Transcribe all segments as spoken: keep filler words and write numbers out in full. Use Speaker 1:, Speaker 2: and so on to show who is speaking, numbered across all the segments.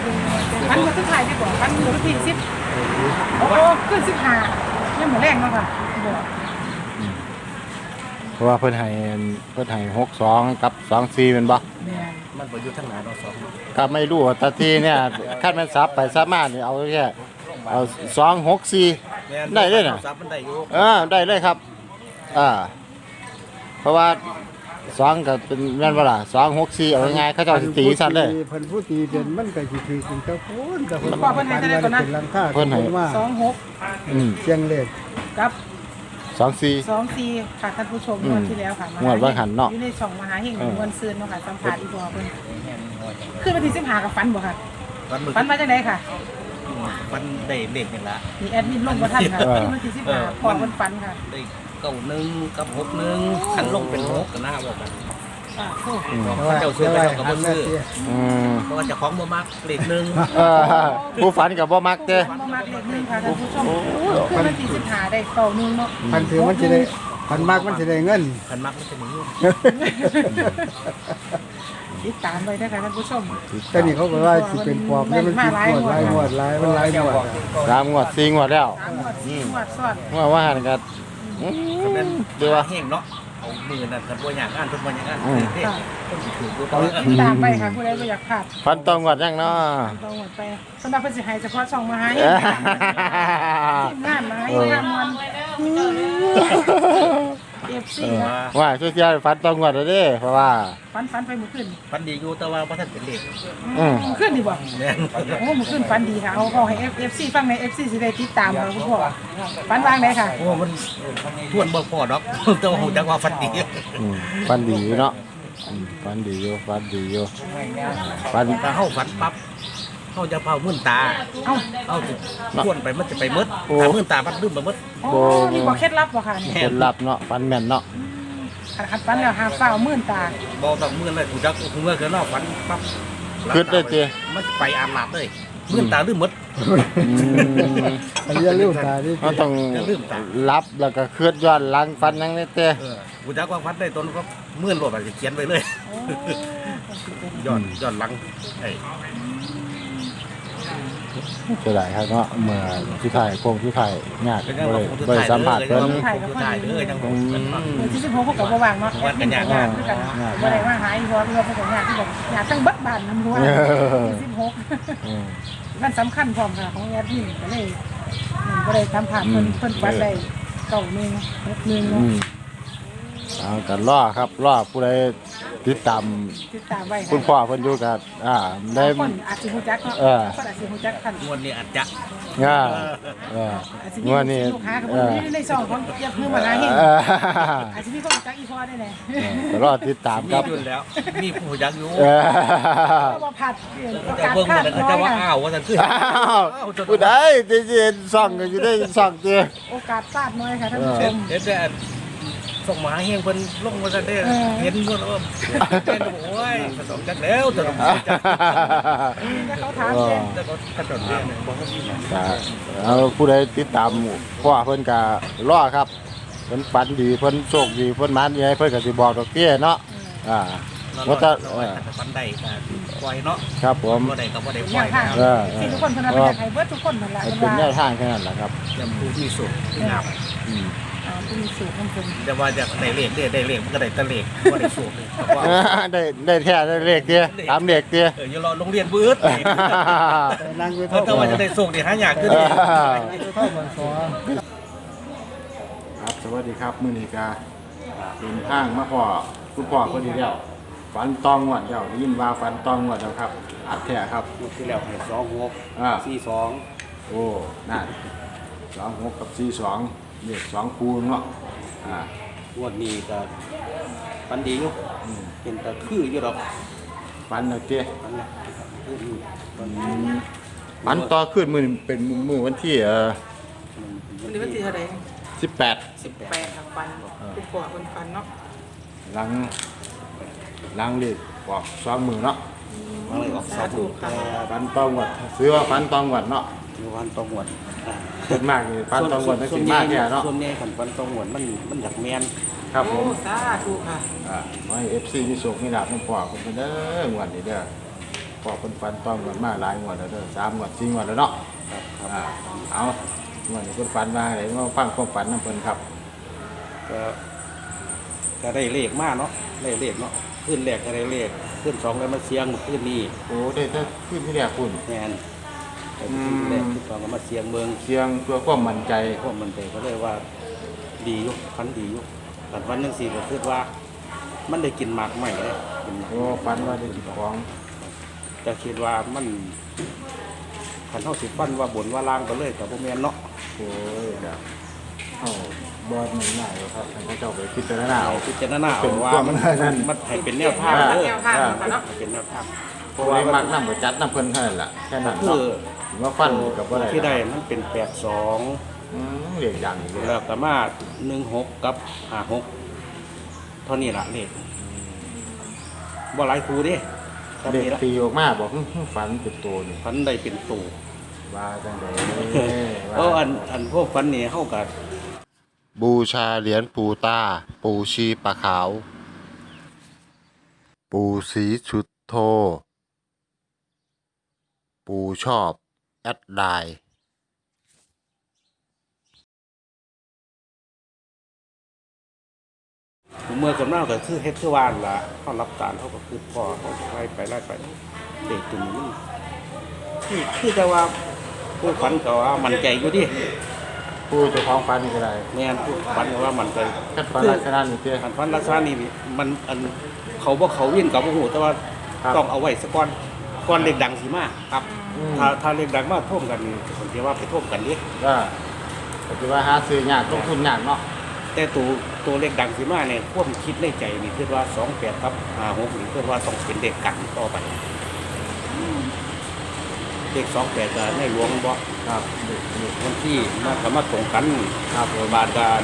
Speaker 1: ฟันมันสุดท้ายดีกว่าฟันมือที่สิบโอ้ขึ้นสิบห้ายังหมดแรงแล้วค่ะบอก
Speaker 2: เพราะว่าเพิ่นให้เพิ่นให้หกสองกับสองสี่เป็นบ่
Speaker 3: มันบ่อยู่ทางหน้าเราสอง
Speaker 2: ก็ไม่รู้แต่ทีเนี่ยคันมันซับไปซับมานี่เอาแค่เอาสองหกสี่ได้เลยน่ะ
Speaker 3: ซับมันได้อยู่
Speaker 2: เออได้เลยครับอ่าเพราะว่าสองก็เป็นแม่นบ่ล่ะสองหกสี่เอาง่ายๆเขาเจ้าสิตีซั่นเลย
Speaker 4: เพิ่นผู้ตีเป็นมันก็สิถือเป็นเจ้าพูนแต่เพิ่น
Speaker 1: เพิ่นให้เท่าไหร่ก่อนนะ
Speaker 4: เป็นหลังคาเพิ่นให้ว่า
Speaker 1: สองหก
Speaker 2: อืม
Speaker 4: เชียงเลข
Speaker 1: กับ
Speaker 2: สองสี่
Speaker 1: สองสี่ค่ะท่านผู้ชมงวดที่แล้วค่ะ
Speaker 2: งวดว่าหันเนาะ
Speaker 1: อยู่ในช่องมหาเฮงมวลซืนเนาะค่ะสัมภาษณ์อีพอเพิ่นขึ้นมาที่สิบห้ากับฟันบ่ค่ะฟันมาจังได๋ค่ะ
Speaker 3: ฟันได้เลขนี่ล่ะ
Speaker 1: มีแอดมินลงบ่ทันค่ะขึ้นมาที่สิบห้าพอเพิ่นฟันค่ะ
Speaker 3: ได้เก้าหนึ่งกับหกหนึ่งคันลงเป็นหกก็น่าบอกกัน
Speaker 1: อ่าโอ้
Speaker 3: เขาเจ้าซื้อไปเจ้าก็บ่ซื้อ
Speaker 2: อืม
Speaker 3: เพราะว่าเจ้าของบ่มักเลขหนึ่ง
Speaker 2: เออผู้ฝันก็บ่มักเด้
Speaker 1: บ่มักเลขหนึ่งค่ะท่านผู้ชมขึ้นมาที่สิบห้าได้เก้าหนึ่งเนาะ
Speaker 4: พันถือมันสิได้พันมากมันสิได้เงิน
Speaker 3: คันมักมันจะมีอยู่
Speaker 1: ติดตามไปนะคะท่านผู้ชม
Speaker 4: แต่นี่เขาบอกว่าสิเป็นปอบแล้วมันสิปวดหลายงวดหลายมันหลายงวด
Speaker 2: สามงวดสี่งวดแล้ว
Speaker 1: อืมงวดซ้อน
Speaker 2: งวดว่าหันก็
Speaker 3: อืมเป็นดูว่าแห้งเนาะเอามือนั่นคันบ่อยากอ่านเพิ่นบ่อยากอ่านเด้ต้องสิถือตัว
Speaker 1: ติดตามไปค่ะผู้ใดบ่อยากพลาด
Speaker 2: ฟันตองงวดยังเนาะ
Speaker 1: ต้องงวดไปสำหรับเพิ่นสิให้เฉพาะช่องมาให้ทีมงานมาให้งานมันเอฟซี
Speaker 2: ว่าช่วยๆฟันตองงวดเด้เพราะว่า
Speaker 1: ฟันฟันไปมื้อคืน
Speaker 3: ฟันดีอยู่แต่ว่าบ่ทันเป็นเลข
Speaker 2: อืม
Speaker 1: มื้อคืนดีบ่แม่นโอ้มื้อคืนฟันดีค่ะเอาเอาให้ เอฟ ซี ฟังใน เอฟ ซี สิได้ติดตามค่ะคุณพ่อฟันวางได้ค่ะ
Speaker 3: โอ้มันทวนบ่พอดอกแต่ว่าฮู้จักว่าฟันดี
Speaker 2: อืมฟันดีเนาะอืมฟันดีอยู่ฟันดีอยู่
Speaker 3: ฟันถ้าเฮาฟันปั๊บเฮาจะเผามื่นตาเอ้าเฮาสิทวนไปมันจะไปหมดถ้ามื่นตามันลืมไปหมด
Speaker 1: โอ้นี่บ่เคล็ดลับบ่ค่ะ
Speaker 2: เคล็ดลับเนาะฟันแม่นเนาะ
Speaker 1: คันฟันแล้วหาฟ้ามื่นตา
Speaker 3: บ่ต้องมื่นเลยฮู้จักฮู้เมื่อคือเนาะฟันปั๊บ
Speaker 2: คิดได้ติ
Speaker 3: มันไปอาหลาดเลยมื่นตาลืมหมด
Speaker 2: อืม
Speaker 4: อันนี้ลืมตาดิ
Speaker 2: เฮาต้องรับแล้วก็คิดย้อนหลังฟันยังได้แต่
Speaker 3: เออฮู้จักว่าฟันได้ตนก็มื่นโลดสิเขียนไว้เลยย้อนย้อนหลังไอ้
Speaker 2: จะได้ครับเนาะเมื่อที่ถ่ายโคงที่ถ่ายยากเลยบริสัมผัสเพิ่น
Speaker 3: ถ่ายเลยจังผม
Speaker 1: ที่สิบหกก็บ่ว่างเนาะ
Speaker 3: วันกันยาก
Speaker 1: คือกันบ่ได้มาหาอีพอคือว่าเพิ่นก็ยากที่แบบยากทั้งเบิดบ้านนำหัวที่สิบหกมันสำคัญพร้อมค่ะของแอดมินก็เลยบ่ได้ทำผ่านเพิ่นเพิ่นปัดได้เก้าหนึ่งหกหนึ่งเนาะ
Speaker 2: เอากันล่อครับล่อผู้ใดติดตาม
Speaker 1: ติดตามไว้
Speaker 2: คุณพ่อเพิ่นอยู่กับอ่าได้
Speaker 1: คนอาจสิฮู้จักเนาะคนอาจสิฮู้จักคัน
Speaker 3: งวดนี้อาจจะ
Speaker 2: อ่าเออ
Speaker 1: งวดนี้ลูกค้าก็บ่ได้ในช่องของเก็บเงินมาหาเฮงอาจสิมีคนจักอีพอได้แน่
Speaker 2: ก็รอติดตามครับ
Speaker 3: อยู่แล้วมีผู้จักอยู่
Speaker 1: ก็บ่ผัด
Speaker 3: แต่เบิ่งมันก็จะว่าอ้าวว่าซั่นคืออ้าว
Speaker 2: ผู้ใดสิเห็นซ่องก็อยู่ได้ซ่องติ
Speaker 1: โอกาสพลาดน้อยค่ะท่านผู้ชม
Speaker 3: เฮ็ดแต่ส่งมาเฮงเพิ่นลงมาซะเด้เห็นบ่ว่าเป็นโอ้ยผสมจักแล้วแต่ต้องจัก
Speaker 1: เขาถามเด้
Speaker 3: แต่ก็กระโดดเด้บ่มี
Speaker 2: เอาผู้ใดติดตามพ่อเพิ่นก็รอครับเพิ่นฝันดีเพิ่นโชคดีเพิ่นหมานใหญ่เพิ่นก็สิบอกดอกเตี้ยเนาะอ่าบ่ถ้า
Speaker 3: ฝันได้ก็ปล่อยเนาะ
Speaker 2: ครับผม
Speaker 3: บ่ได้ก็บ่ได้ปล่อย
Speaker 1: เออสิทุกคนเพิ่นว่าเป็นให้เบิดทุกคนนั่นแหละ
Speaker 2: เป็นแนวทางแค่นั้นแหละครับ
Speaker 3: ยังผู้มีสุขที่งาม
Speaker 1: อืมอ่าผู้มีสุขของเพิ่น
Speaker 3: แต่ว่าอยากได้เลขได้ได้เลขมันก็ได้แต่เลขบ่ได้สุข
Speaker 2: ได้ได้แท้ได้เลขเตี้ยตามเลขเตี้ย
Speaker 3: เอออย่ารอโรงเรียนบื้อ
Speaker 4: นั่งอยู่
Speaker 3: เท่าแต่ว่าจะได้สุขนี่หายากขึ้น
Speaker 4: เท่ามันซอ
Speaker 2: ครับสวัสดีครับมื้อนี้ก็เป็นทางมาพ่อคุณพ่อคนนี้แล้วฝันตองงวดแล้วยินว่าฝันตองงวดแล้วครับอัดแท้ครับ
Speaker 3: งวดที่แล้วให้สองหกสี่สอง
Speaker 2: โอ้นั่นสองหกกับสี่สองเลขสองคูณเนาะอ่
Speaker 3: างวดนี้ก็ฝันดีอยู่เป็นตะคืออยู่ดอก
Speaker 2: ฝันแล้วเตี้ยฝันต่อขึ้นมื้อเป็นมื้อวันที่เอ่อ
Speaker 1: วันนี้วันที่เท่าใด
Speaker 2: สิบแปด
Speaker 1: สิบแปดครับฟันผู้ก่อเพิ่นฟันเนาะ
Speaker 2: หลังหลังเลขออกสองมื้อเนาะ
Speaker 3: มันเลยออกสองมื้อแต่
Speaker 2: ฝันตองงวดซื้อว่าฝันตองงวดเนาะ
Speaker 3: ฝันตองงวด
Speaker 2: ส่วนมากนี่ฝันตองงวดมันสิมากแค่เนาะ
Speaker 3: ส่วนใหญ่ฝันฝันตองงวดมันมันอยากแม่น
Speaker 2: ครับผม
Speaker 1: สาธุค่ะ
Speaker 2: อ่าให้ เอฟ ซี มีโชคมีลาภนำพ่อเพิ่นเด้องวดนี้เด้อพอเพิ่นฝันต้องกันมาหลายงวดแล้วเด้อสามงวดสี่งวดแล้วเนาะอ่าเอางวดนี้เพิ่นฝันว่าอะไรมาฟังความฝันนำเพิ่นครับ
Speaker 3: ก็ก็ได้เลขมากเนาะได้เลขเนาะขึ้นแรกก็ได้เลขขึ้นสองแล้วมาเสียงขึ้นนี่
Speaker 2: โอ้ได้แต่ขึ้นที่แรกคุณ
Speaker 3: แน่นแต่ขึ้นแรกขึ้นสองก็มาเสียงเมือง
Speaker 2: เสียงเพื่อความมั่นใจ
Speaker 3: พวกมันใจก็เลยว่าดีอยุคันดีอยุแต่วันหนึงสี่ก็คือว่า มันได้กินหมากใหม่เลยกินหมาก
Speaker 2: โอ้ฝันว่าได้กินของ
Speaker 3: จะคิดว่ามันขันเท่าสิฟันว่าบนว่าล่างก็เลยกับพวกแมนเนาะ
Speaker 2: โอ้ยเดี๋ยวเอาบอดมันง่ายเลยครับให้เขาเจ้าไปพิจารณาเอา
Speaker 3: เอาพิจารณาเอาว่า
Speaker 2: เป็นความ
Speaker 3: มัน
Speaker 2: นั่น
Speaker 3: มันให้เป็นแนวทาง
Speaker 2: อ่า
Speaker 3: เด้อ
Speaker 1: แนวทางของเนาะ
Speaker 3: ให้เป็นแนวทางเพ
Speaker 2: เพราะ
Speaker 3: ราะ
Speaker 2: ว่า
Speaker 3: ว่า
Speaker 2: มั
Speaker 3: มั
Speaker 2: ก
Speaker 3: น
Speaker 2: น้ำกับจัดน้ำเพิ่นเท่านั้นล่ะแค่นั้น
Speaker 3: คื
Speaker 2: เนาะ
Speaker 3: อ
Speaker 2: ว่าฟันกับว่าอะไร
Speaker 3: ที่ได้มันเป็นแปดสอง
Speaker 2: อืมเรียกอย่างนี้เลย
Speaker 3: แล้วก็มาหนึ่งหกกับห้าหกเท่านี้ละเลขบ่หลายครูเดิครับ
Speaker 2: เด็ก
Speaker 3: นี่ละ
Speaker 2: ตีออกมาบอกหึ่มฝันเป็นตัวนี่
Speaker 3: ฟันได้เป็นตู่
Speaker 2: ว่าจังได
Speaker 3: เอออันอันพวกฟันนี่เข้ากับ
Speaker 2: บูชาเหรียญปูตา ปูชีปะขาว ปูสีชุดโท ปูชอบแอดไลน์
Speaker 3: เมื่อกับหน้าก็คือเฮ็ดคือวานละเขารับตาลเขาก็คือพอเขาไล่ไปไล่ไปเด็กตัวนี้มันคือคือแต่ว่าผู้ฝันก็ว่ามันใจอยู่ดิ
Speaker 2: ปูเจ้าของฝันนี่ก็ได้
Speaker 3: แม่นผู้ฝันก็ว่ามันใจ
Speaker 2: คัดฝันลักษณะนี้เตี้ย
Speaker 3: อันฝันลักษณะนี้มันอันเขาบ่เขาวิ่งกับบ่ฮู้แต่ว่า
Speaker 2: ครับ
Speaker 3: ต้องเอาไว้สักก่อนก่อนเล็กดังสิมาครับ
Speaker 2: อืม
Speaker 3: ถ้าถ้าเล็กดังมาท่วมกันนี่ผมคิดว่าไปท่วมกันดิ
Speaker 2: ก็ก็คือว่าหาซื้อยากลงทุนยากเนาะ
Speaker 3: แต่ตัวตัวเลขดังสิมาเนี่ยความคิดในใจนี่คือว่าสองแปดครับห้าหกนี่คือว่าต้องเป็นเด็กกันต่อไปเลขสองแปดจะในหลวงบ่
Speaker 2: ครับนี่นี่
Speaker 3: วันที่มาสามารถตรงกัน
Speaker 2: ครับ
Speaker 3: โดยบาทการ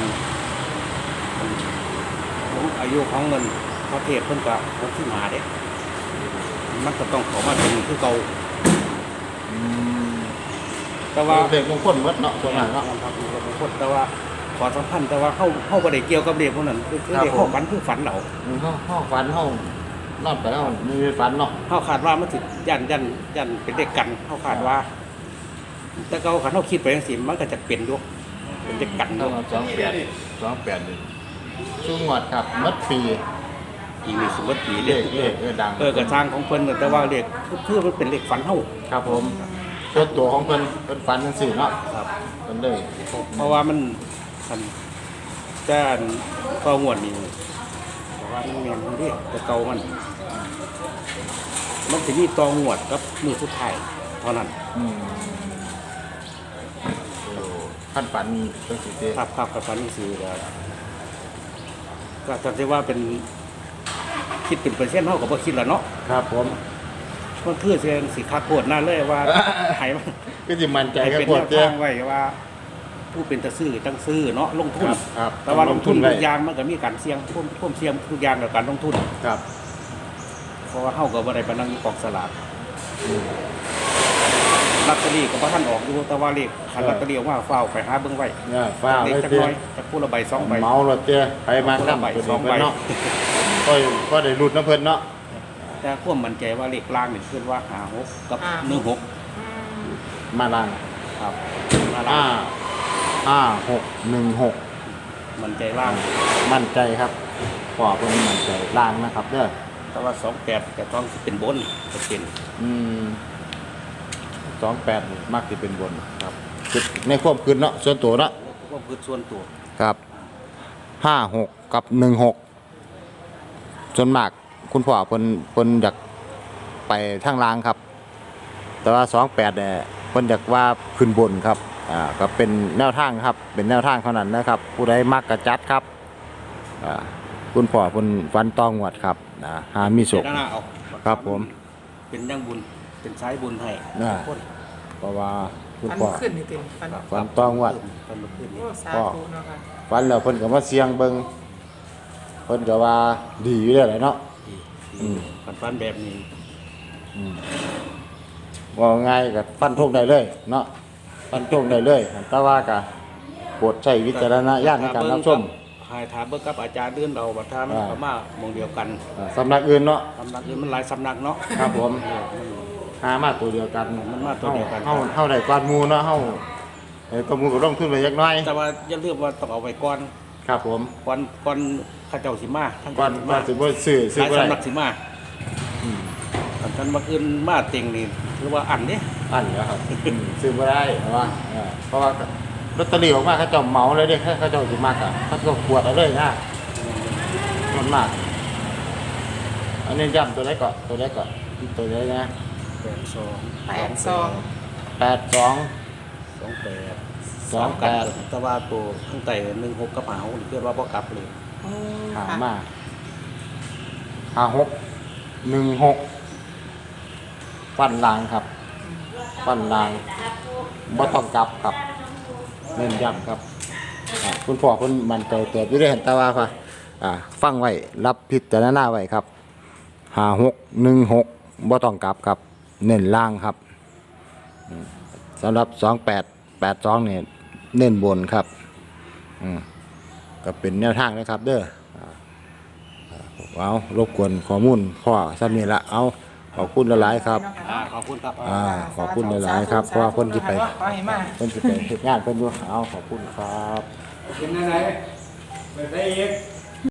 Speaker 3: ของอายุของเงินพระเทพเพิ่นก็วันที่มาเด็มันก็ต้องเขอมาถึงคือเก่า
Speaker 2: อืม
Speaker 3: แต่ว่า
Speaker 2: เด็กมงคลหมดเนาะส่วนมากเนาะ
Speaker 3: ครับมีคนบางคนแต่ว่าขอสัมพันธ์แต่ว่าเข้าเข้าประเด็เกี่ยวกับเด็กพวกนั้นคือคือ
Speaker 2: ครับ
Speaker 3: เด็ก
Speaker 2: ผม
Speaker 3: เข้าฝันคือฝันเรา
Speaker 2: อืมห้องห้องฝันห้องนอนไปแล้วมีฝันเนาะ
Speaker 3: เขาขาดว่ามันถึงยันยันยันเป็นเด็กกันเขาขาดว่า แต่เขาขาดเขาคิดไปยังสิมันก็จะเป็นด้วยเป็นเด็กกัน
Speaker 2: ต้
Speaker 3: ด้
Speaker 2: อ
Speaker 3: ว
Speaker 2: ง
Speaker 3: ย
Speaker 2: เอาสองแปดสองแปดหนึ่งช่วงงวดครับมัดปี
Speaker 3: อีกหนึ่งสมมติปี
Speaker 2: เล
Speaker 3: เด็
Speaker 2: ขเลขเออดัง
Speaker 3: เออกระทางของเพิ่นน่ะแต่ว่าเด็กเพื่อมันเป็นเด็กฝันเท่า
Speaker 2: ครับผมส่วนตัวของเพิ่นเพิ่นฝันจังซี่เนาะ
Speaker 3: ครับ
Speaker 2: เพิ่นเลย
Speaker 3: เพราะว่ามันมันแต่อันก็งวดนี้แต่ว่ามันแม่นมันเด้แต่เก่ามัน มันจะมีตองวดกับมือสุดท้ายเท่านั้น
Speaker 2: อืมโอ้ขั้นฝันจังซี่เด้
Speaker 3: ครับครับกับฝันนี่คือก็ก็จะว่าเป็นคิดเป็นเปอร์เซ็นต์เท่ากับว่าคิดแล้วเนาะ
Speaker 2: ครับผม
Speaker 3: มันคือเสียงสิคักโคตรนั่นเลยว่าให้มัน
Speaker 2: ก็สิมั่นใจ
Speaker 3: ให้
Speaker 2: กับ
Speaker 3: เป็น
Speaker 2: พว
Speaker 3: แน
Speaker 2: ก
Speaker 3: ว
Speaker 2: เด้
Speaker 3: ทางไว้ว่า ผู้เป็นตะซื้อจังซื้อเนาะลงทุน
Speaker 2: ครับครับ
Speaker 3: แต่ว่าลงทุน
Speaker 2: ต้องลงทุนไว้
Speaker 3: ทุกอย่างมันก็มีการเสี่ยงท่วมท่วมเสี่ยงทุกอย่างกับการลงทุน
Speaker 2: ครับ
Speaker 3: เพราะว่าเฮาก็บ่ได้ไปนั่งอยู่กองสลาก
Speaker 2: อืม
Speaker 3: ลอตเตอรี่ก็บ่ทันออกอยู่แต่ว่าเลขคันลอตเตอรี่ออกมาเฝ้าวไปหาเบิ่งไว้
Speaker 2: เนี่ยฟ้า
Speaker 3: เล
Speaker 2: ไว้
Speaker 3: ขจัก
Speaker 2: เตี้
Speaker 3: ห
Speaker 2: ย
Speaker 3: น้อยจักผู้ละใบสองใบ
Speaker 2: เมารถเตี้ยไปมากนำ
Speaker 3: ใบ
Speaker 2: ตัว
Speaker 3: ส
Speaker 2: นี้
Speaker 3: อง
Speaker 2: เพิ่
Speaker 3: ใบ
Speaker 2: นเนาะก็ก็ได้รุดนะเพิ่นเนาะ
Speaker 3: แต่ความมั่นใจว่าเลขล่างนี่คือว่าห้าหกกับหนึ่งหก
Speaker 2: มาล่าง
Speaker 3: ครับมาล่า
Speaker 2: ห้าง ห้าหกหนึ่งหก
Speaker 3: มั่นใจล่าง
Speaker 2: มั่นใจครับพ่อเพิ่นมั่นใจล่างนะครับเด้อ
Speaker 3: แต่ว่าสองแปดแต่ต้องสิเป็นบนจะเป็น
Speaker 2: อืมสองแปดมักสิเป็นบนครับคิดในความคิดเนาะส่วนตัวเนาะ
Speaker 3: ก็คือส่วนตัว
Speaker 2: ครับห้าหกกับหนึ่งหกส่วนมากคุณพ่อเพิ่นเพิ่นอยากไปทางล่างครับ แต่ว่าสองแปดเนี่ยเพิ่นอยากว่าขึ้นบนครับอ่าก็เป็นแนวทางครับ เป็นแนวทางเท่านั้นนะครับ ผู้ใดมักกระจัดครับอ่าคุณพ่อเพิ่นฟันตองหวดครับอ่าหามีสุข
Speaker 3: เดี๋ยวหน้าเอา
Speaker 2: ครับผม
Speaker 3: เป็นยังบุญเป็นสายบุญให้
Speaker 2: อ่า
Speaker 3: คน
Speaker 2: เพราะว่าคุณ
Speaker 1: ฟัน
Speaker 2: พ่อ
Speaker 1: ขึ้นนี่เต็มฟัน
Speaker 2: ฟันตองหวด
Speaker 3: ฟันลุกขึ้นนี่
Speaker 1: โอ้สาธุเนาะค่ะ
Speaker 2: ฟันแล้วเพิ่นก็มาเสียงเบิ่งเพิ่นก็ว่าดีอยู่แล้วแหละเนาะ
Speaker 3: ดี
Speaker 2: อืม
Speaker 3: ฟันฟันแบบนี้
Speaker 2: อืมว่าง่ายก็ฟันธงได้เลยเนาะฟันธงได้เลยแต่ว่าก็โปรดใช้วิจารณญาณในการรับชม
Speaker 3: หายถามเบิ่งกับอาจารย์เดือนเราบัดทามัน
Speaker 2: อ่า
Speaker 3: ก็มาหมองเดียวกัน
Speaker 2: อ่าสำนักอื่นเนาะ
Speaker 3: สำนักอื่นมันหลายสำนักเนาะ
Speaker 2: ครับผม
Speaker 3: เออมัน
Speaker 2: หามาตัวเดียวกัน
Speaker 3: มันมาตัวเดียวกัน
Speaker 2: เฮาเฮาได้กวาดหมู่เนาะเฮาเอ้ยก็หมู่ก็ลงทุนไปจักหน่อย
Speaker 3: แต่ว่าอย่าลืมว่าต้องเอาไว้ก่อน
Speaker 2: ครับผม
Speaker 3: ก่อนก่อนเข้าเจ้าสิมาทั้ง
Speaker 2: ก่อน
Speaker 3: สิ
Speaker 2: ว่าสิบ่ซื้อซื้อ
Speaker 3: หลาย
Speaker 2: บ่ได้
Speaker 3: สำนักสิมา
Speaker 2: อืม
Speaker 3: อันนั้นบักอื่นมาเต็งนี่หรือว่าอันเด้
Speaker 2: อันเดียวครับอืมซื้อบ่ได้เพราะว่าเออเพราะว่าลอตเตอรี่ออกมาเขาเจ้าเหมาเลยเด้เขาเจ้าสิมักอ่ะเขาก็ขวดเอาเลยนะมันมาก อันนี้ย้ำตัวไหนก่อนตัวไหนก่อนตัวไหนนะ
Speaker 3: แปดสอง
Speaker 1: แปดสอง
Speaker 2: แปดสอง
Speaker 3: สองแปด
Speaker 2: สองแปด
Speaker 3: แต่ว่าตัวข้างใต้หนึ่งหกกระเป๋าเรียกว่าบ่กลับเลย
Speaker 1: โอ้
Speaker 2: หา
Speaker 1: ค่ะ
Speaker 2: มาห้าหกหนึ่งหกปั้นลางครับ ปั้นลางบ่ต้องกลับครับเน้นย้ำครับอ่าคุณพ่อคุณมันใจเกิดอยู่ได้เห็นตาว่าค่ะอ่าฟังไว้รับพิจารณาไว้ครับห้าหกหนึ่งหกบ่ต้องกลับครับ เน้นล่างครับอืมสำหรับสองแปดแปดสองเนี่ยเน้นบนครับอืมก็เป็นแนวทางนะครับเด้ออ่าเอารบกวนข้อมูลพ่อซ้ำนี่ละเอาขอบคุณหลายๆครับ
Speaker 3: อ่าขอบคุณครับ
Speaker 2: อ่าขอบคุณหลายๆครับเพราะว่าคนที่ไป
Speaker 1: ขอให้มา
Speaker 2: คนที่ไปเฮ็ดงานเพิ่นอยู่เอาขอบคุณครับ
Speaker 4: เป็นอะไรไปได้อีก